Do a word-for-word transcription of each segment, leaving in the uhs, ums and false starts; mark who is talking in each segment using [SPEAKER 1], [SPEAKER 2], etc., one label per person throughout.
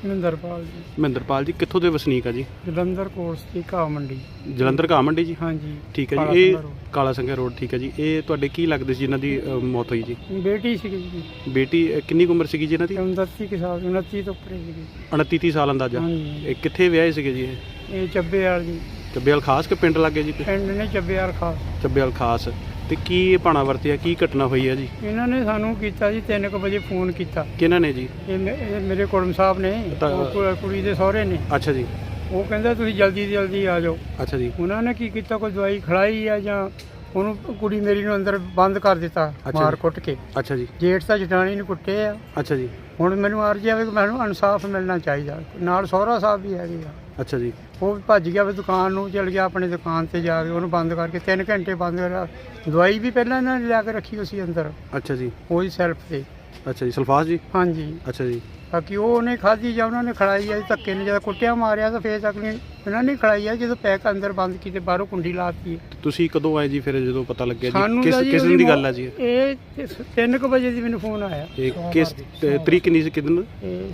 [SPEAKER 1] ਮਹਿੰਦਰਪਾਲ ਜੀ।
[SPEAKER 2] ਮਹਿੰਦਰਪਾਲ ਜੀ ਕਿੱਥੋਂ ਦੇ ਵਸਨੀਕ ਆ ਜੀ?
[SPEAKER 1] ਜਲੰਧਰ ਕੋਰਸ ਦੀ ਘਾਹ ਮੰਡੀ।
[SPEAKER 2] ਜਲੰਧਰ ਘਾਹ ਮੰਡੀ ਜੀ?
[SPEAKER 1] ਹਾਂਜੀ
[SPEAKER 2] ਠੀਕ ਹੈ ਜੀ। ਇਹ ਕਾਲਾ ਸੰਘਿਆ ਰੋਡ। ਠੀਕ ਹੈ ਜੀ। ਇਹ ਤੁਹਾਡੇ ਕੀ ਲੱਗਦੇ ਸੀ ਜਿਨ੍ਹਾਂ ਦੀ ਅ, ਮੌਤ ਹੋਈ ਜੀ?
[SPEAKER 1] ਬੇਟੀ ਸੀਗੀ ਜੀ।
[SPEAKER 2] ਬੇਟੀ ਅ, ਕਿੰਨੀ ਕੁ ਉਮਰ ਸੀਗੀ ਜੀ ਇਹਨਾਂ ਦੀ?
[SPEAKER 1] ਉਨੱਤੀ ਕੁ ਸਾਲ ਉਨੱਤੀ ਤੋਂ ਉੱਪਰ ਸੀਗੀ।
[SPEAKER 2] ਉਨੱਤੀ ਤੀਹ ਸਾਲ ਅੰਦਾਜ਼ਾ।
[SPEAKER 1] ਹਾਂਜੀ।
[SPEAKER 2] ਇਹ ਕਿੱਥੇ ਵਿਆਹੇ ਸੀਗੇ ਜੀ? ਇਹ
[SPEAKER 1] ਇਹ ਚੱਬੇਵਾਲ ਜੀ।
[SPEAKER 2] ਚੱਬੇਵਾਲ ਖਾਸ ਕਿ ਪਿੰਡ ਲੱਗੇ ਜੀ?
[SPEAKER 1] ਪਿੰਡ ਨੇ ਚੱਬੇਵਾਲ ਖਾਸ।
[SPEAKER 2] ਚੱਬੇਵਾਲ ਖਾਸ। ਤੇ ਕੀ ਇਹ ਭਾਣਾ ਵਰਤਿਆ, ਕੀ ਘਟਨਾ ਹੋਈ ਹੈ ਜੀ?
[SPEAKER 1] ਇਹਨਾਂ ਨੇ ਸਾਨੂੰ ਕੀਤਾ ਜੀ ਤਿੰਨ ਕੁ ਵਜੇ ਫੋਨ ਕੀਤਾ।
[SPEAKER 2] ਕਿਹਨਾਂ ਨੇ ਜੀ?
[SPEAKER 1] ਇਹ ਮੇ- ਇਹ ਮੇਰੇ ਕੁੜਮ ਸਾਹਿਬ ਨੇ,
[SPEAKER 2] ਤਾਂ-
[SPEAKER 1] ਉਹ ਕੁ- ਕੁੜੀ ਦੇ ਸਹੁਰੇ ਨੇ।
[SPEAKER 2] ਅੱਛਾ ਜੀ।
[SPEAKER 1] ਉਹ ਕਹਿੰਦਾ ਤੁਸੀਂ ਜਲਦੀ ਤੋਂ ਜਲਦੀ ਆ ਜਾਓ।
[SPEAKER 2] ਅੱਛਾ ਜੀ।
[SPEAKER 1] ਉਹਨਾਂ ਨੇ ਕੀ ਕੀਤਾ, ਕੋਈ ਦਵਾਈ ਖਿਲਾਈ ਆ ਜਾਂ ਉਹਨੂੰ ਕੁੜੀ ਮੇਰੀ ਨੂੰ ਅੰਦਰ ਬੰਦ ਕਰ ਦਿੱਤਾ
[SPEAKER 2] ਅੱਛਾ
[SPEAKER 1] ਮਾਰ
[SPEAKER 2] ਜੀ।
[SPEAKER 1] ਕੁੱਟ ਕੇ।
[SPEAKER 2] ਅੱਛਾ ਜੀ।
[SPEAKER 1] ਜੇਠ ਤਾਂ ਜਠਾਣੀ ਨੂੰ ਕੁੱਟੇ ਆ।
[SPEAKER 2] ਅੱਛਾ ਜੀ।
[SPEAKER 1] ਹੁਣ ਮੈਨੂੰ ਅਰਜ਼ੀ ਆਵੇ ਕਿ ਮੈਨੂੰ ਇਨਸਾਫ ਮਿਲਣਾ ਚਾਹੀਦਾ। ਨਾਲ ਸਹੁਰਾ ਸਾਹਿਬ ਵੀ ਹੈਗੇ ਆ।
[SPEAKER 2] ਅੱਛਾ ਜੀ।
[SPEAKER 1] ਉਹ ਭੱਜ ਗਿਆ ਵੀ ਦੁਕਾਨ ਨੂੰ, ਚਲ ਗਿਆ ਆਪਣੀ ਦੁਕਾਨ ਤੇ ਜਾ ਕੇ ਉਹਨੂੰ ਬੰਦ ਕਰਕੇ ਤਿੰਨ ਘੰਟੇ ਬੰਦ ਕਰਿਆ। ਦਵਾਈ ਵੀ ਪਹਿਲਾਂ ਇਹਨਾਂ ਨੇ ਲਿਆ ਕੇ ਰੱਖੀ ਹੋਈ ਸੀ ਅੰਦਰ,
[SPEAKER 2] ਅੱਛਾ ਜੀ।
[SPEAKER 1] ਉਹੀ ਸੈਲਫ ਤੇ।
[SPEAKER 2] ਅੱਛਾ ਜੀ। ਸਲਫਾਸ ਜੀ?
[SPEAKER 1] ਹਾਂਜੀ।
[SPEAKER 2] ਅੱਛਾ ਜੀ।
[SPEAKER 1] ਬਾਕੀ ਉਹ ਉਹਨੇ ਖਾਧੀ ਜਾਂ ਉਹਨਾਂ ਨੇ ਖੜਾਈ ਆ ਜੀ, ਧੱਕੇ ਨੇ ਜਦੋਂ ਕੁੱਟਿਆ ਮਾਰਿਆ ਤਾਂ ਫੇਰ ਤੱਕ ਨਹੀਂ ਇਹਨਾਂ ਨੇ ਖੜਾਈ ਆ। ਜਦੋਂ ਪੈਕ ਅੰਦਰ ਬੰਦ ਕੀਤੇ, ਬਾਹਰੋਂ ਕੁੰਡੀ ਲਾਤੀ।
[SPEAKER 2] ਤੁਸੀਂ ਕਦੋਂ ਆਏ ਜੀ ਫਿਰ ਜਦੋਂ ਪਤਾ ਲੱਗਿਆ ਜੀ?
[SPEAKER 1] ਸਾਨੂੰ
[SPEAKER 2] ਕਿਸ
[SPEAKER 1] ਤਾਂ ਜੀ
[SPEAKER 2] ਕਿਸ ਦਿਨ ਦੀ ਗੱਲ ਹੈ ਜੀ?
[SPEAKER 1] ਇਹ ਤਿੰਨ ਕੁ ਵਜੇ ਦੀ ਮੈਨੂੰ ਫੋਨ ਆਇਆ।
[SPEAKER 2] ਇਹ ਕਿਸ ਤੇ ਤਰੀਕ ਕਿੰਨੀ ਸੀ, ਕਿਦਨ?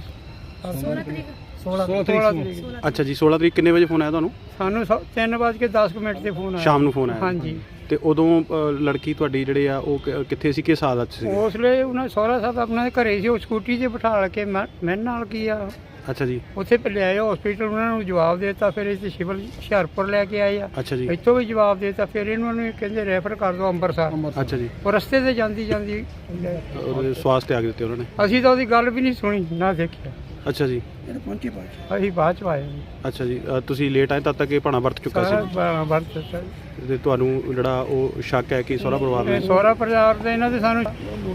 [SPEAKER 1] ਇਹ ਸੋਲਾਂ ਤਰੀਕ ਸੋਲਾਂ ਤਰੀਕ।
[SPEAKER 2] ਅੱਛਾ ਜੀ। ਸੋਲਾਂ ਤਰੀਕ ਕਿੰਨੇ ਵਜੇ ਫੋਨ ਆਇਆ ਤੁਹਾਨੂੰ?
[SPEAKER 1] ਸਾਨੂੰ ਸੌ- ਤਿੰਨ ਵੱਜ ਕੇ ਦਸ ਕੁ ਮਿੰਟ ਤੇ ਫੋਨ ਆਇਆ।
[SPEAKER 2] ਸ਼ਾਮ ਨੂੰ ਫੋਨ ਆਇਆ?
[SPEAKER 1] ਹਾਂਜੀ।
[SPEAKER 2] ਤੇ ਉਦੋਂ ਅ, ਲੜਕੀ ਤੁਹਾਡੀ ਜਿਹੜੇ ਆ ਉਹ ਕ- ਕਿੱਥੇ ਸੀ, ਕਿਸ ਹਾਲਤ 'ਚ ਸੀ?
[SPEAKER 1] ਉਸ ਵੇਲੇ ਉਹਨਾਂ ਸਹੁਰਾ ਸਾਹਿਬ ਆਪਣਾ ਦੇ ਘਰੇ ਸੀ। ਉਹ ਸਕੂਟੀ ਤੇ ਬਿਠਾ ਕੇ ਮੈਂ ਮੈਂ ਨਾਲ ਕੀ ਆ
[SPEAKER 2] ਅੱਛਾ ਜੀ।
[SPEAKER 1] ਉੱਥੇ ਲਿਆਏ ਹਸਪੀਟਲ। ਉਹਨਾਂ ਨੂੰ ਜਵਾਬ ਦੇ ਦਿੱਤਾ। ਫਿਰ ਇੱਥੇ ਸਿਵਲ ਹੁਸ਼ਿਆਰਪੁਰ ਲੈ ਕੇ ਆਏ ਆ।
[SPEAKER 2] ਅੱਛਾ ਜੀ।
[SPEAKER 1] ਇੱਥੋਂ ਵੀ ਜਵਾਬ ਦੇ ਦਿੱਤਾ। ਫਿਰ ਇਹਨਾਂ ਨੂੰ ਕਹਿੰਦੇ ਰੈਫਰ ਕਰ ਦਿਓ ਅੰਮ੍ਰਿਤਸਰ।
[SPEAKER 2] ਅੱਛਾ ਜੀ।
[SPEAKER 1] ਉਹ ਰਸਤੇ ਤੇ ਜਾਂਦੀ ਜਾਂਦੀ
[SPEAKER 2] ਉਹਦੇ ਸਵਾਸ ਤੇ ਆ ਦਿੱਤੇ ਉਹਨਾਂ ਨੇ?
[SPEAKER 1] ਅਸੀਂ ਤਾਂ ਉਹਦੀ ਗੱਲ ਵੀ ਨਹੀਂ ਸੁਣੀ ਨਾ ਦੇਖਿਆ।
[SPEAKER 2] ਅੱਛਾ ਜੀ।
[SPEAKER 1] ਅਸੀਂ ਬਾਅਦ ਚ ਆਏ ਜੀ।
[SPEAKER 2] ਅੱਛਾ ਜੀ। ਅ, ਤੁਸੀਂ ਲੇਟ ਆਏ ਤਦ ਤੱਕ ਇਹ ਭਾਣਾ ਵਰਤ ਚੁੱਕਾ
[SPEAKER 1] ਸਾਰਾ
[SPEAKER 2] ਸੀ
[SPEAKER 1] ਬ- ਵਰਤ ਦਿੱਤਾ ਜੀ।
[SPEAKER 2] ਤੇ ਤੁਹਾਨੂੰ ਜਿਹੜਾ ਉਹ ਸ਼ੱਕ ਹੈ ਕਿ ਸਹੁਰਾ ਪਰਿਵਾਰ
[SPEAKER 1] ਇਹ
[SPEAKER 2] ਨੇ?
[SPEAKER 1] ਸਹੁਰਾ ਪਰਿਵਾਰ ਦੇ ਇਹਨਾਂ ਦੇ ਸਾਨੂੰ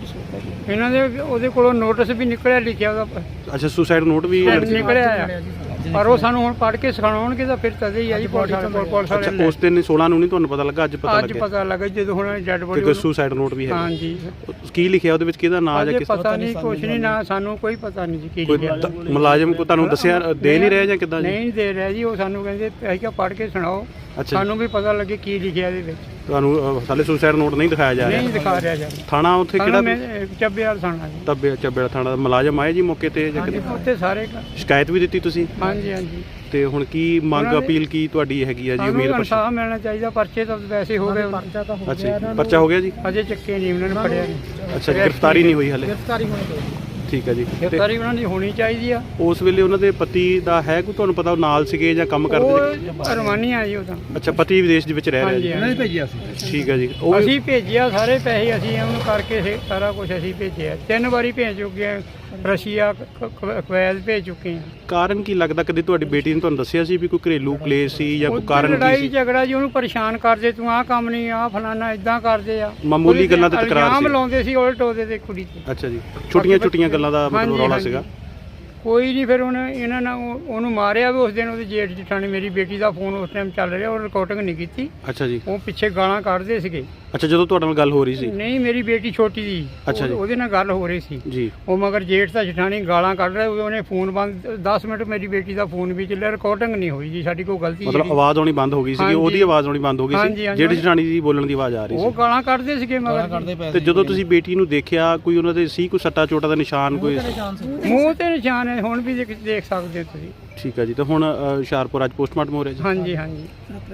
[SPEAKER 1] ਇਹਨਾਂ ਦੇ ਉਹਦੇ ਕੋਲੋਂ ਨੋਟਿਸ ਵੀ ਨਿਕਲਿਆ, ਲਿਖਿਆ ਉਹਦਾ
[SPEAKER 2] ਅੱਛਾ। ਸੁਸਾਈਡ ਨੋਟ ਵੀ?
[SPEAKER 1] ਨਿਕਲਿਆ ਆ। ਪਰ ਉਹ ਸਾਨੂੰ ਹੁਣ ਪੜ੍ਹ ਕੇ ਸਿਖਾਉਣਗੇ ਤਾਂ ਫਿਰ ਤਦੇ ਹੀ ਆ ਜੀ। ਪੁਲਿਸ ਵਾਲੇ ਕੋਲ ਪੁਲਿਸ
[SPEAKER 2] ਅੱਛਾ।
[SPEAKER 1] ਵਾਲੇ
[SPEAKER 2] ਉਸ ਦਿਨ ਸੋਲਾਂ ਨੂੰ ਨਹੀਂ ਤੁਹਾਨੂੰ ਪਤਾ ਲੱਗਾ? ਅੱਜ ਪਤਾ
[SPEAKER 1] ਅੱਜ
[SPEAKER 2] ਲੱਗਿਆ
[SPEAKER 1] ਪਤਾ ਲੱਗਾ ਜਦੋਂ ਹੁਣ ਡੈਡ
[SPEAKER 2] ਕਿ
[SPEAKER 1] ਬੋਡੀ।
[SPEAKER 2] ਕੋਈ ਸੁਸਾਈਡ ਨੋਟ ਵੀ ਹੈ?
[SPEAKER 1] ਹਾਂਜੀ।
[SPEAKER 2] ਕੀ ਲਿਖਿਆ ਉਹਦੇ ਵਿੱਚ, ਕਿਹਦਾ ਨਾਂ ਜਾਂ
[SPEAKER 1] ਅਜੇ
[SPEAKER 2] ਕਿਸ
[SPEAKER 1] ਪਤਾ ਨਹੀਂ, ਕੁਛ ਨਹੀਂ ਨਾ ਸਾਨੂੰ ਕੋਈ ਪਤਾ ਨਹੀਂ ਜੀ ਕੀ
[SPEAKER 2] ਕੋਈ
[SPEAKER 1] ਲਿਖਿਆ।
[SPEAKER 2] ਦ- ਮੁਲਾਜ਼ਮ ਕੋ ਤੁਹਾਨੂੰ ਦੱਸਿਆ ਦੇ ਨਹੀਂ ਰਿਹਾ ਜਾਂ ਕਿੱਦਾਂ ਜੀ?
[SPEAKER 1] ਨਹੀਂ ਦੇ ਰਿਹਾ ਜੀ। ਉਹ ਸਾਨੂੰ ਕਹਿੰਦੇ ਅਸੀਂ ਕਿਹਾ ਪੜ੍ਹ ਕੇ ਸੁਣਾਓ,
[SPEAKER 2] ਅੱਛਾ।
[SPEAKER 1] ਸਾਨੂੰ ਵੀ ਪਤਾ ਲੱਗੇ ਕੀ ਲਿਖਿਆ ਇਹਦੇ ਵਿੱਚ।
[SPEAKER 2] ਤੁਹਾਨੂੰ ਅ, ਹਾਲੇ ਸੁਸਾਈਡ ਨੋਟ ਨਹੀਂ ਦਿਖਾਇਆ ਜਾ
[SPEAKER 1] ਨਹੀਂ
[SPEAKER 2] ਰਿਹਾ?
[SPEAKER 1] ਦਿਖਾ ਰਿਹਾ ਜੀ।
[SPEAKER 2] ਥਾਣਾ ਉੱਥੇ
[SPEAKER 1] ਸਾਨੂੰ
[SPEAKER 2] ਕਿਹੜਾ?
[SPEAKER 1] ਮੈਂ ਚੱਬੇਵਾਲ ਸੁਣਾ ਜੀ।
[SPEAKER 2] ਤੱਬੇ ਚੱਬੇੜਾ ਥਾਣਾ ਦਾ ਮੁਲਾਜ਼ਮ ਆਏ ਜੀ ਮੌਕੇ ਤੇ ਜਾਂ
[SPEAKER 1] ਹਾਂਜੀ
[SPEAKER 2] ਕਿੱਦਾਂ?
[SPEAKER 1] ਉੱਥੇ ਸਾਰੇ ਕ-
[SPEAKER 2] ਸ਼ਿਕਾਇਤ ਵੀ ਦਿੱਤੀ ਤੁਸੀਂ?
[SPEAKER 1] ਹਾਂਜੀ ਹਾਂਜੀ।
[SPEAKER 2] ਤੇ ਹੁਣ ਕੀ ਮੰਗ
[SPEAKER 1] ਉਹਨਾਂ ਦੇ-
[SPEAKER 2] ਅਪੀਲ ਕੀ ਤੁਹਾਡੀ ਹੈਗੀ ਆ ਜੀ?
[SPEAKER 1] ਸਾਨੂੰ
[SPEAKER 2] ਉਮੀਦ ਪਰਚਾ?
[SPEAKER 1] ਇਨਸਾਫ ਮਿਲਣਾ ਚਾਹੀਦਾ। ਪਰਚੇ ਤਾਂ ਵੈਸੇ ਹੋ ਗਏ।
[SPEAKER 2] ਅੱਛਾ ਜੀ। ਪਰਚਾ ਹੋ ਗਿਆ ਜੀ?
[SPEAKER 1] ਅਜੇ ਚੱਕੇ ਨਹੀਂ, ਉਹਨਾਂ ਨੇ ਫੜਿਆ ਨਹੀਂ।
[SPEAKER 2] ਅੱਛਾ ਜੀ। ਗ੍ਰਿਫਤਾਰੀ ਨਹੀਂ ਹੋਈ ਹਾਲੇ?
[SPEAKER 1] ਗ੍ਰਿਫਤਾਰੀ ਹੋਣੀ ਚਾਹੀਦੀ।
[SPEAKER 2] ਠੀਕ ਹੈ ਜੀ। ਤੇ
[SPEAKER 1] ਗ੍ਰਿਫਤਾਰੀ ਉਹਨਾਂ ਦੀ ਹੋਣੀ ਚਾਹੀਦੀ ਆ।
[SPEAKER 2] ਉਸ ਵੇਲੇ ਉਹਨਾਂ ਦੇ ਪਤੀ ਦਾ ਹੈ ਕੋਈ ਤੁਹਾਨੂੰ ਪਤਾ, ਉਹ ਨਾਲ ਸੀਗੇ ਜਾਂ ਕੰਮ ਕਰਦੇ ਸੀ?
[SPEAKER 1] ਉਹ ਰਵਾਨੀ ਆ ਜੀ ਉਹ ਤਾਂ।
[SPEAKER 2] ਅੱਛਾ। ਪਤੀ ਵਿਦੇਸ਼ ਦੇ ਵਿੱਚ ਰਹਿ ਰਿਹਾ
[SPEAKER 1] ਹਾਂਜੀ
[SPEAKER 2] ਜੀ?
[SPEAKER 1] ਹਾਂਜੀ।
[SPEAKER 3] ਭੇਜਿਆ ਸੀ।
[SPEAKER 2] ਠੀਕ ਹੈ ਜੀ। ਉਹ
[SPEAKER 1] ਅਸੀਂ ਭੇਜਿਆ ਸਾਰੇ ਪੈਸੇ ਅਸੀਂ ਉਹਨੂੰ ਕਰਕੇ ਸੇ- ਸਾਰਾ ਕੁਝ ਅਸੀਂ ਭੇਜਿਆ। ਤਿੰਨ ਵਾਰੀ ਭੇਜ ਚੁੱਕੇ ਹਾਂ। ਰਸ਼ੀਆ, ਕ- ਕ- ਕੁਵੈਤ ਭੇਜ ਚੁੱਕੇ ਹਾਂ।
[SPEAKER 2] ਕਾਰਨ ਕੀ ਲੱਗਦਾ? ਕਦੇ ਤੁਹਾਡੀ ਬੇਟੀ ਨੇ ਤੁਹਾਨੂੰ ਦੱਸਿਆ ਸੀ ਵੀ ਕੋਈ ਘਰੇਲੂ ਕਲੇਸ਼ ਸੀ ਜਾਂ ਕੋਈ
[SPEAKER 1] ਉੱਧਰ
[SPEAKER 2] ਕਾਰਨ ਕੀ
[SPEAKER 1] ਲੜਾਈ
[SPEAKER 2] ਸੀ?
[SPEAKER 1] ਝਗੜਾ ਜੀ, ਉਹਨੂੰ ਪਰੇਸ਼ਾਨ ਕਰਦੇ, ਤੂੰ ਆਹ ਕੰਮ ਨਹੀਂ, ਆਹ ਫਲਾਨਾ ਇਦਾਂ ਕਰਦੇ ਆ।
[SPEAKER 2] ਮਾਮੂਲੀ
[SPEAKER 1] ਉਹਦੇ
[SPEAKER 2] ਗੱਲਾਂ ਤੇ ਤਕਰਾਰ
[SPEAKER 1] ਇਲਜ਼ਾਮ
[SPEAKER 2] ਸੀ?
[SPEAKER 1] ਲਾਉਂਦੇ ਸੀ ਉਲਟ ਉਹਦੇ ਤੇ ਕੁੜੀ ਤੇ।
[SPEAKER 2] ਅੱਛਾ ਜੀ। ਛੋਟੀਆਂ ਛੋਟੀਆਂ ਗੱਲਾਂ ਦਾ ਮਤਲਬ
[SPEAKER 1] ਹਾਂਜੀ,
[SPEAKER 2] ਰੌਲਾ
[SPEAKER 1] ਹਾਂਜੀ।
[SPEAKER 2] ਸੀਗਾ?
[SPEAKER 1] ਕੋਈ ਨਹੀਂ। ਫਿਰ ਉਹਨੇ ਇਹਨਾਂ ਨੇ ਉਹ- ਉਹਨੂੰ ਮਾਰਿਆ ਵੀ ਉਸ ਦਿਨ। ਉਹਦੀ ਜੇਠ ਜਠਾਣੀ ਮੇਰੀ ਬੇਟੀ ਦਾ ਫੋਨ ਉਸ ਟਾਈਮ ਚੱਲ ਰਿਹਾ, ਉਹ ਰਿਕਾਰਡਿੰਗ ਨਹੀਂ ਕੀਤੀ।
[SPEAKER 2] ਅੱਛਾ ਜੀ।
[SPEAKER 1] ਉਹ ਪਿੱਛੇ ਗਾਲਾਂ ਕੱਢਦੇ ਸੀਗੇ।
[SPEAKER 2] ਅੱਛਾ। ਜਦੋਂ ਤੁਹਾਡੇ ਨਾਲ ਗੱਲ ਹੋ ਰਹੀ ਸੀ?
[SPEAKER 1] ਨਹੀਂ, ਮੇਰੀ ਬੇਟੀ ਛੋਟੀ ਦੀ।
[SPEAKER 2] ਅੱਛਾ ਜੀ।
[SPEAKER 1] ਉਹ- ਉਹਦੇ ਨਾਲ ਗੱਲ ਹੋ ਰਹੀ ਸੀ।
[SPEAKER 2] ਜੀ।
[SPEAKER 1] ਉਹ ਮਗਰ ਜੇਠ ਦਾ ਜਠਾਣੀ ਗਾਲਾਂ ਕੱਢ ਰਿਹਾ। ਉਹਨੇ ਫੋਨ ਬੰਦ ਦਸ ਮਿੰਟ ਮੇਰੀ ਬੇਟੀ ਦਾ ਫੋਨ ਵੀ ਚੱਲਿਆ, ਰਿਕਾਰਡਿੰਗ ਨਹੀਂ ਹੋਈ ਜੀ। ਸਾਡੀ ਕੋਈ ਗਲਤੀ
[SPEAKER 2] ਮਤਲਬ
[SPEAKER 1] ਨਹੀਂ।
[SPEAKER 2] ਆਵਾਜ਼ ਆਉਣੀ ਬੰਦ ਹੋ ਗਈ ਸੀ?
[SPEAKER 1] ਹਾਂਜੀ।
[SPEAKER 2] ਉਹਦੀ ਆਵਾਜ਼ ਆਉਣੀ ਬੰਦ ਹੋ ਗਈ
[SPEAKER 1] ਹਾਂਜੀ,
[SPEAKER 2] ਸੀ?
[SPEAKER 1] ਹਾਂਜੀ।
[SPEAKER 2] ਜਿਹੜੀ ਜਠਾਣੀ ਦੀ ਬੋਲਣ ਦੀ ਆਵਾਜ਼ ਆ ਰਹੀ
[SPEAKER 1] ਉਹ
[SPEAKER 2] ਸੀ?
[SPEAKER 1] ਗਾਲਾਂ ਕੱਢਦੇ ਸੀਗੇ ਮਗਰ
[SPEAKER 3] ਕਰਦੇ ਪਏ
[SPEAKER 2] ਤੇ ਜਦੋਂ ਤੁਸੀਂ ਬੇਟੀ ਨੂੰ ਦੇਖਿਆ, ਕੋਈ ਉਹਨਾਂ ਦੇ ਸੀ ਕੋਈ ਸੱਟਾ ਚੋਟਾ ਦਾ ਨਿਸ਼ਾਨ ਕੋਈ?
[SPEAKER 1] ਮੂੰਹ ਤੇ ਨਿਸ਼ਾਨ ਹੈ, ਹੁਣ ਵੀ ਦੇਖ ਦੇਖ ਸਕਦੇ ਹੋ ਤੁਸੀਂ।
[SPEAKER 2] ਠੀਕ ਹੈ ਜੀ। ਤੇ ਹੁਣ ਅ, ਹੁਸ਼ਿਆਰਪੁਰ ਅੱਜ ਪੋਸਟਮਾਰਟਮ ਹੋ ਰਿਹਾ ਜੀ?
[SPEAKER 1] ਹਾਂਜੀ ਹਾਂਜੀ।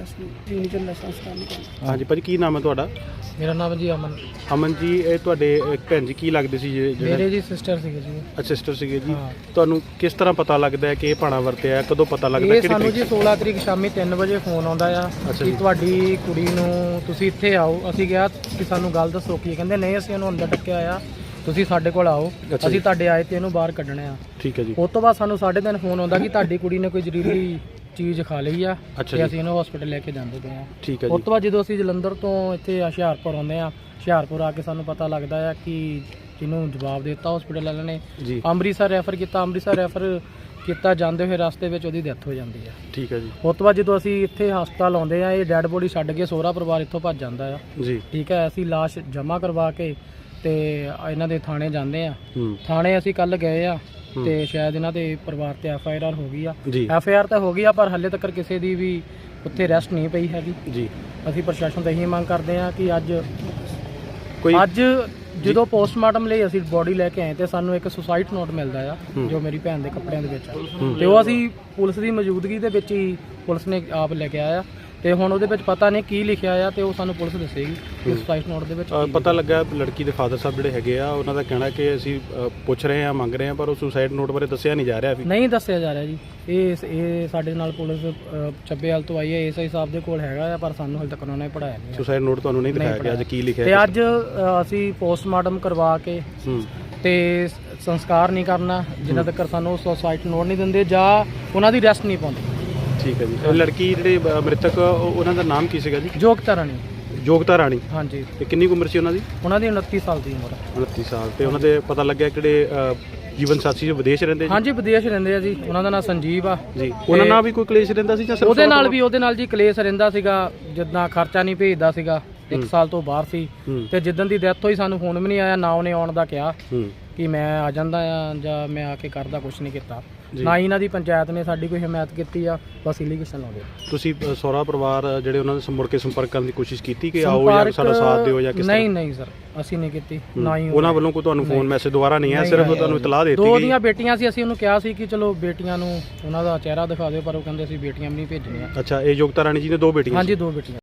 [SPEAKER 2] ਹਾਂਜੀ ਭਾਜੀ, ਕੀ ਨਾਮ ਹੈ ਤੁਹਾਡਾ?
[SPEAKER 3] ਮੇਰਾ ਨਾਮ ਜੀ ਅਮਨ।
[SPEAKER 2] ਅਮਨ ਜੀ, ਇਹ ਤੁਹਾਡੇ ਅ, ਭੈਣ ਜੀ ਕੀ ਲੱਗਦੇ ਸੀ ਜੇ- ਜਿਹੜੇ?
[SPEAKER 3] ਮੇਰੇ ਜੀ ਸਿਸਟਰ ਸੀਗੇ ਜੀ।
[SPEAKER 2] ਅੱਛਾ, ਸਿਸਟਰ ਸੀਗੇ ਜੀ।
[SPEAKER 3] ਹਾਂ।
[SPEAKER 2] ਤੁਹਾਨੂੰ ਕਿਸ ਤਰ੍ਹਾਂ ਪਤਾ ਲੱਗਦਾ ਹੈ ਕਿ ਇਹ ਭਾਣਾ ਵਰਤਿਆ ਹੈ? ਕਦੋਂ ਪਤਾ ਲੱਗਦਾ?
[SPEAKER 3] ਇਹ
[SPEAKER 2] ਕਿਹੜੀ
[SPEAKER 3] ਸਾਨੂੰ ਜੀ
[SPEAKER 2] ਤਰੀਕ?
[SPEAKER 3] ਸੋਲਾਂ ਤਰੀਕ ਸ਼ਾਮੀ ਤਿੰਨ ਵਜੇ ਫੋਨ ਆਉਂਦਾ ਆ
[SPEAKER 2] ਅੱਛਾ
[SPEAKER 3] ਕਿ
[SPEAKER 2] ਜੀ।
[SPEAKER 3] ਤੁਹਾਡੀ ਕੁੜੀ ਨੂੰ ਤੁਸੀਂ ਇੱਥੇ ਆਓ। ਅਸੀਂ ਕਿਹਾ ਕਿ ਸਾਨੂੰ ਗੱਲ ਦੱਸੋ ਕੀ। ਕਹਿੰਦੇ ਨਹੀਂ, ਅਸੀਂ ਉਹਨੂੰ ਅੰਦਰ ਟੱਕਿਆ ਆ, ਤੁਸੀਂ ਸਾਡੇ ਕੋਲ ਆਓ,
[SPEAKER 2] ਅੱਛਾ ਜੀ।
[SPEAKER 3] ਅਸੀਂ ਤੁਹਾਡੇ ਆਏ ਤੇ ਇਹਨੂੰ ਬਾਹਰ ਕੱਢਣਾ ਆ।
[SPEAKER 2] ਠੀਕ ਹੈ ਜੀ।
[SPEAKER 3] ਉਸ ਤੋਂ ਬਾਅਦ ਸਾਨੂੰ ਸਾਢੇ ਤਿੰਨ ਫੋਨ ਆਉਂਦਾ ਕਿ ਤੁਹਾਡੀ ਕੁੜੀ ਨੇ ਕੋਈ ਜ਼ਹਿਰੀਲੀ ਚੀਜ਼ ਖਾ ਲਈ ਆ
[SPEAKER 2] ਅੱਛਾ
[SPEAKER 3] ਤੇ
[SPEAKER 2] ਜੀ।
[SPEAKER 3] ਅਸੀਂ ਇਹਨੂੰ ਹਸਪੀਟਲ ਲੈ ਕੇ ਜਾਂਦੇ ਪਏ ਆ।
[SPEAKER 2] ਠੀਕ ਹੈ
[SPEAKER 3] ਉਸ
[SPEAKER 2] ਜੀ।
[SPEAKER 3] ਤੋਂ ਬਾਅਦ ਜਦੋਂ ਅਸੀਂ ਜਲੰਧਰ ਤੋਂ ਇੱਥੇ ਹੁਸ਼ਿਆਰਪੁਰ ਆਉਂਦੇ ਆ, ਹੁਸ਼ਿਆਰਪੁਰ ਆ ਕੇ ਸਾਨੂੰ ਪਤਾ ਲੱਗਦਾ ਆ ਕਿ ਜਿਹਨੂੰ ਜਵਾਬ ਦੇ ਦਿੱਤਾ ਹਸਪੀਟਲ ਵਾਲਿਆਂ ਨੇ,
[SPEAKER 2] ਜੀ।
[SPEAKER 3] ਅੰਮ੍ਰਿਤਸਰ ਰੈਫਰ ਕੀਤਾ। ਅੰਮ੍ਰਿਤਸਰ ਰੈਫਰ ਕੀਤਾ, ਜਾਂਦੇ ਹੋਏ ਰਸਤੇ ਵਿੱਚ ਉਹਦੀ ਡੈਥ ਹੋ ਜਾਂਦੀ ਆ।
[SPEAKER 2] ਠੀਕ ਹੈ ਜੀ।
[SPEAKER 3] ਉਸ ਤੋਂ ਬਾਅਦ ਜਦੋਂ ਅਸੀਂ ਇੱਥੇ ਹਸਪਤਾਲ ਆਉਂਦੇ ਆ, ਇਹ ਡੈੱਡ ਬੋਡੀ ਛੱਡ ਕੇ ਸਹੁਰਾ ਪਰਿਵਾਰ ਇੱਥੋਂ ਭੱਜ ਜਾਂਦਾ ਆ।
[SPEAKER 2] ਜੀ।
[SPEAKER 3] ਠੀਕ ਹੈ। ਅਸੀਂ ਲਾਸ਼ ਜਮ੍ਹਾਂ ਕਰਵਾ ਕੇ ਤੇ ਇਹਨਾਂ ਦੇ ਥਾਣੇ ਜਾਂਦੇ ਆ।
[SPEAKER 2] ਹੂੰ।
[SPEAKER 3] ਥਾਣੇ ਅਸੀਂ ਕੱਲ ਗਏ ਆ
[SPEAKER 2] ਹੂੰ।
[SPEAKER 3] ਤੇ ਸ਼ਾਇਦ ਇਹਨਾਂ ਦੇ ਪਰਿਵਾਰ ਤੇ ਐਫ ਆਈ ਆਰ ਹੋ ਗਈ ਆ।
[SPEAKER 2] ਜੀ।
[SPEAKER 3] ਐਫ ਆਈ ਆਰ ਤਾਂ ਹੋ ਗਈ ਆ, ਪਰ ਹਾਲੇ ਤੱਕ ਕਿਸੇ ਦੀ ਵੀ ਉੱਥੇ ਅਰੈਸਟ ਨਹੀਂ ਪਈ ਹੈਗੀ।
[SPEAKER 2] ਜੀ।
[SPEAKER 3] ਅਸੀਂ ਪ੍ਰਸ਼ਾਸਨ ਤੋਂ ਇਹੀ ਮੰਗ ਕਰਦੇ ਆ ਕਿ ਅੱਜ
[SPEAKER 2] ਕੋਈ
[SPEAKER 3] ਅੱਜ ਜਦੋਂ ਪੋਸਟਮਾਰਟਮ ਲਈ ਅਸੀਂ ਬੋਡੀ ਲੈ ਕੇ ਆਏ ਤੇ ਸਾਨੂੰ ਇੱਕ ਸੁਸਾਈਡ ਨੋਟ ਮਿਲਦਾ ਆ
[SPEAKER 2] ਹੂੰ।
[SPEAKER 3] ਜੋ ਮੇਰੀ ਭੈਣ ਦੇ ਕੱਪੜਿਆਂ ਦੇ ਵਿੱਚ ਆ
[SPEAKER 2] ਹੂੰ।
[SPEAKER 3] ਤੇ ਉਹ ਅਸੀਂ ਪੁਲਿਸ ਦੀ ਮੌਜੂਦਗੀ ਦੇ ਵਿੱਚ ਹੀ ਪੁਲਿਸ ਨੇ ਆਪ ਲੈ ਕੇ ਆਇਆ ਤੇ ਹੁਣ ਉਹਦੇ ਵਿੱਚ ਪਤਾ ਨਹੀਂ ਕੀ ਲਿਖਿਆ ਆ ਤੇ ਉਹ ਸਾਨੂੰ ਪੁਲਿਸ ਦੱਸੇਗੀ ਕਿ
[SPEAKER 2] ਹੂੰ।
[SPEAKER 3] ਸੁਸਾਈਡ ਨੋਟ ਦੇ ਵਿੱਚ
[SPEAKER 2] ਅ,
[SPEAKER 3] ਕੀ
[SPEAKER 2] ਪਤਾ ਲੱਗਾ ਲੜਕੀ ਦੇ ਫਾਦਰ ਸਾਹਿਬ ਜਿਹੜੇ ਹੈਗੇ ਆ ਉਹਨਾਂ ਦਾ ਕਹਿਣਾ ਕਿ ਅਸੀਂ ਅ, ਪੁੱਛ ਰਹੇ ਹਾਂ ਮੰਗ ਰਹੇ ਹਾਂ ਪਰ ਉਹ ਸੁਸਾਈਡ ਨੋਟ ਬਾਰੇ ਦੱਸਿਆ ਨਹੀਂ ਜਾ ਰਿਹਾ ਵੀ
[SPEAKER 3] ਨਹੀਂ ਦੱਸਿਆ ਜਾ ਰਿਹਾ ਜੀ। ਇਹ ਇਹ ਸਾਡੇ ਨਾਲ ਪੁਲਿਸ ਅ, ਚੱਬੇਵਾਲ ਤੋਂ ਆਈ ਹੈ, ਐਸਆਈ ਸਾਹਿਬ ਦੇ ਕੋਲ ਹੈਗਾ ਆ ਪਰ ਸਾਨੂੰ ਹਾਲੇ ਤੱਕ ਉਹਨਾਂ ਨੇ ਪੜਾਇਆ ਨਹੀਂ ਹੈ।
[SPEAKER 2] ਸੁਸਾਈਡ ਨੋਟ ਤੁਹਾਨੂੰ ਨਹੀਂ
[SPEAKER 3] ਨਹੀਂ
[SPEAKER 2] ਦਿਖਾਇਆ ਗਿਆ ਅੱਜ ਕੀ ਲਿਖਿਆ
[SPEAKER 3] ਤੇ
[SPEAKER 2] ਹੈ
[SPEAKER 3] ਅੱਜ ਅ, ਅਸੀਂ ਪੋਸਟਮਾਰਟਮ ਕਰਵਾ ਕੇ
[SPEAKER 2] ਹੂੰ
[SPEAKER 3] ਤੇ ਸ- ਸੰਸਕਾਰ ਨਹੀਂ ਕਰਨਾ ਜਿੰਨਾ ਤੱਕ ਸਾਨੂੰ ਸੁਸਾਈਡ ਨੋਟ ਨਹੀਂ ਦਿੰਦੇ ਜਾਂ ਉਹਨਾਂ ਦੀ ਰੈਸਟ ਨਹੀਂ ਪਾਉਂਦੇ।
[SPEAKER 2] ਠੀਕ ਹੈ ਜੀ ਇਹ ਲੜਕੀ ਜਿਹੜੇ ਅ, ਮ੍ਰਿਤਕ ਉਹ- ਉਹਨਾਂ ਦਾ ਨਾਮ ਕੀ ਸੀਗਾ ਜੀ
[SPEAKER 3] ਯੋਗਤਾ ਰਾਣੀ
[SPEAKER 2] ਯੋਗਤਾ ਰਾਣੀ
[SPEAKER 3] ਹਾਂਜੀ,
[SPEAKER 2] ਤੇ ਕਿੰਨੀ ਕੁ ਉਮਰ ਸੀ ਉਹਨਾਂ ਦੀ
[SPEAKER 3] ਉਹਨਾਂ ਦੀ ਉਨੱਤੀ ਸਾਲ ਦੀ ਉਮਰ ਹੈ।
[SPEAKER 2] ਉਨੱਤੀ ਸਾਲ ਤੇ ਉਹਨਾਂ ਦੇ ਪਤਾ ਲੱਗਿਆ ਕਿਹੜੇ ਅ, ਜੀਵਨ ਸਾਥੀ ਜੋ ਵਿਦੇਸ਼ ਰਹਿੰਦੇ ਜੀ
[SPEAKER 3] ਹਾਂਜੀ ਵਿਦੇਸ਼ ਰਹਿੰਦੇ ਆ ਜੀ। ਉਹਨਾਂ ਦਾ ਨਾਮ ਸੰਜੀਵ ਆ।
[SPEAKER 2] ਜੀ ਉਹਨਾਂ ਨਾਲ ਵੀ ਕੋਈ ਕਲੇਸ਼ ਰਹਿੰਦਾ ਸੀ ਜਾਂ ਸਿਰਫ
[SPEAKER 3] ਉਹਦੇ ਨਾਲ ਵੀ ਉਹਦੇ ਨਾਲ ਜੀ ਕਲੇਸ਼ ਰਹਿੰਦਾ ਸੀਗਾ, ਜਿੱਦਾਂ ਖਰਚਾ ਨਹੀਂ ਭੇਜਦਾ ਸੀਗਾ, ਇੱਕ
[SPEAKER 2] ਹੂੰ।
[SPEAKER 3] ਸਾਲ ਤੋਂ ਬਾਹਰ ਸੀ
[SPEAKER 2] ਹੂੰ
[SPEAKER 3] ਤੇ ਜਿੱਦਣ ਦੀ ਡੈਥ ਹੋਈ ਸਾਨੂੰ ਫੋਨ ਵੀ ਨਹੀਂ ਆਇਆ, ਨਾ ਉਹਨੇ ਆਉਣ ਦਾ ਕਿਹਾ
[SPEAKER 2] ਹੂੰ
[SPEAKER 3] ਕਿ ਮੈਂ ਆ ਜਾਂਦਾ ਆ ਜਾਂ ਮੈਂ ਆ ਕੇ ਕਰਦਾ, ਕੁਝ ਨਹੀਂ ਕੀਤਾ।
[SPEAKER 2] ਜੀ।
[SPEAKER 3] ਨਾ ਹੀ ਇਹਨਾਂ ਦੀ ਪੰਚਾਇਤ ਨੇ ਸਾਡੀ ਕੋਈ ਹਮਾਇਤ ਕੀਤੀ ਆ, ਬਸ ਇਲੀਗੇਸ਼ਨ ਲਾਉਂਦੇ ਆ।
[SPEAKER 2] ਤੁਸੀਂ ਅ, ਸਹੁਰਾ ਪਰਿਵਾਰ ਅ, ਜਿਹੜੇ ਉਹਨਾਂ ਦੇ ਮੁੜ ਕੇ ਸੰਪਰਕ ਕਰਨ ਦੀ ਕੋਸ਼ਿਸ਼ ਕੀਤੀ ਕਿ ਆਓ ਜਾਂ ਸਾਡਾ ਸਾਥ ਦਿਓ ਜਾਂ ਕਿਸ ਤਰ੍ਹਾਂ
[SPEAKER 3] ਨਹੀਂ ਨਹੀਂ ਸਰ ਅਸੀਂ ਨਹੀਂ ਕੀਤੀ,
[SPEAKER 2] ਹੂੰ।
[SPEAKER 3] ਨਾ ਹੀ
[SPEAKER 2] ਉਹਨਾਂ ਵੱਲੋਂ ਕੋਈ ਤੁਹਾਨੂੰ ਫੋਨ
[SPEAKER 3] ਨਹੀਂ।
[SPEAKER 2] ਮੈਸੇਜ ਦੁਬਾਰਾ ਨਹੀਂ ਆਇਆ
[SPEAKER 3] ਨਹੀਂ,
[SPEAKER 2] ਸਿਰਫ
[SPEAKER 3] ਨਹੀਂ।
[SPEAKER 2] ਤੁਹਾਨੂੰ ਇਤਲਾਹ ਦੇ ਦਿੱਤੀ
[SPEAKER 3] ਦੋ
[SPEAKER 2] ਗਈ
[SPEAKER 3] ਦੀਆਂ ਬੇਟੀਆਂ ਸੀ, ਅਸੀਂ ਉਹਨੂੰ ਕਿਹਾ ਸੀ ਕਿ ਚਲੋ ਬੇਟੀਆਂ ਨੂੰ ਉਹਨਾਂ ਦਾ ਚਿਹਰਾ ਦਿਖਾ ਦਿਓ ਪਰ ਉਹ ਕਹਿੰਦੇ ਅਸੀਂ ਬੇਟੀਆਂ ਵੀ ਨਹੀਂ ਭੇਜਣੀਆਂ।
[SPEAKER 2] ਅੱਛਾ ਇਹ ਯੋਗਤਾ ਰਾਣੀ ਜੀ ਨੇ ਦੋ ਬੇਟੀਆਂ
[SPEAKER 3] ਹਾਂਜੀ
[SPEAKER 2] ਸੀ।
[SPEAKER 3] ਦੋ ਬੇਟੀਆਂ।